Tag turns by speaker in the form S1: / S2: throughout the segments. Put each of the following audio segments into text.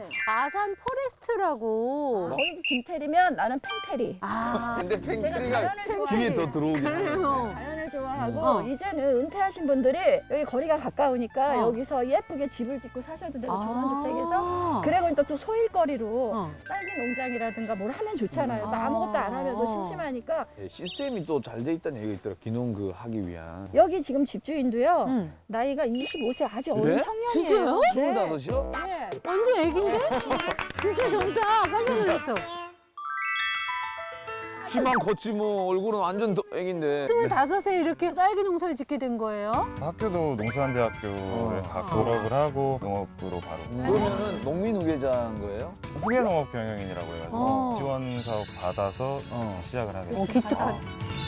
S1: 아산 포레스트라고.
S2: 거기 김태리면 나는 팽태리.
S1: 아,
S3: 근데
S2: 제가
S3: 팽태리가
S2: 자연을
S3: 귀에
S2: 좋아해요.
S3: 더 들어오긴 하네.
S2: 자연을 좋아하고
S1: 어.
S2: 이제는 은퇴하신 분들이 여기 거리가 가까우니까
S1: 어.
S2: 여기서 예쁘게 집을 짓고 사셔도 되고
S1: 아.
S2: 전원주택에서 그리고 또 소일거리로
S1: 어.
S2: 딸기 농장이라든가 뭘 하면 좋잖아요. 또 아무것도 안 하면 또 심심하니까
S3: 예, 시스템이 또 잘 돼 있다는 얘기가 있더라. 기농 그 하기 위한.
S2: 여기 지금 집주인도요.
S1: 응.
S2: 나이가 25세 아주
S3: 그래?
S2: 어린 청년이에요.
S1: 진짜요?
S2: 네.
S3: 25이요?
S2: 네.
S1: 완전 애긴데? 진짜 젊다. 깜짝 놀랐어.
S3: 키만 컸지 뭐 얼굴은 완전 애긴데.
S1: 25세 이렇게 딸기 농사를 짓게 된 거예요?
S4: 학교도 농수산대학교를 졸업을 하고 농업부로 바로
S3: 그러면은 농민 후계자인 거예요?
S4: 후계농업 경영인이라고 해가지고
S1: 어.
S4: 지원 사업 받아서 시작을 하게 됐어요.
S1: 기특한.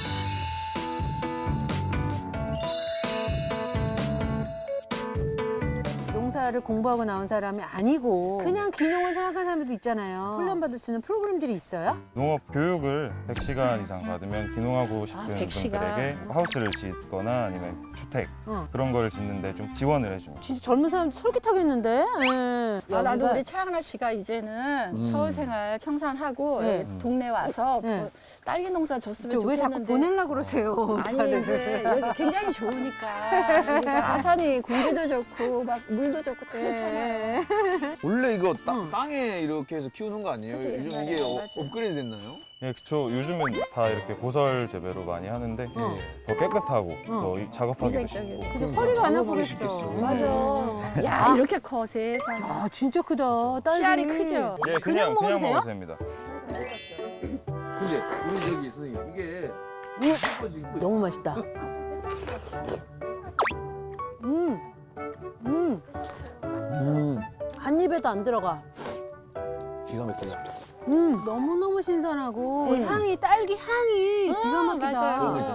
S1: 농사를 공부하고 나온 사람이 아니고 그냥 기농을 생각하는 사람들도 있잖아요. 훈련받을 수 있는 프로그램들이 있어요?
S4: 농업 교육을 100시간 이상 받으면 기농하고 싶은
S2: 100시간.
S4: 분들에게 하우스를 짓거나 아니면 주택
S1: 어.
S4: 그런 걸 짓는데 좀 지원을 해줍니다.
S1: 진짜 젊은 사람 솔깃하겠는데? 예.
S2: 아, 나도
S1: 여기가-
S2: 우리 최양라 씨가 이제는 서울 생활 청산하고
S1: 네.
S2: 여기 동네 와서
S1: 네.
S2: 뭐 딸기 농사 졌으면
S1: 왜 자꾸
S2: 좋겠는데
S1: 보내려고 그러세요?
S2: 아니 이제 여기 굉장히 좋으니까 여기가 아산이 공기도 좋고 막 물도 좋고 다 좋잖아요.
S3: 원래 이거 땅에 이렇게 해서 키우는 거 아니에요?
S2: 그치,
S3: 요즘
S2: 옛날에,
S3: 이게
S2: 맞아.
S3: 업그레이드 됐나요?
S4: 예, 그쵸. 요즘은 다 이렇게 보설 재배로 많이 하는데
S1: 어.
S4: 더 깨끗하고 더 작업하기도
S2: 위생적이고.
S4: 쉽고.
S1: 근데 허리가 안
S3: 작업하기
S1: 아프겠어.
S3: 쉽겠어.
S2: 맞아. 야 이렇게 커 세상.
S1: 아 진짜 크다. 딸기.
S2: 씨알이 크죠.
S4: 예,
S1: 그냥
S4: 그냥
S1: 먹어도 돼요?
S4: 먹어도 됩니다.
S3: 근데 우리 저기 선생님 이게
S1: 너무 맛있다. 한 입에도 안 들어가.
S3: 기가 막히다.
S1: 너무너무 신선하고 향이 딸기 향이 기가 막히다.
S2: 맞아요.
S3: 그거죠.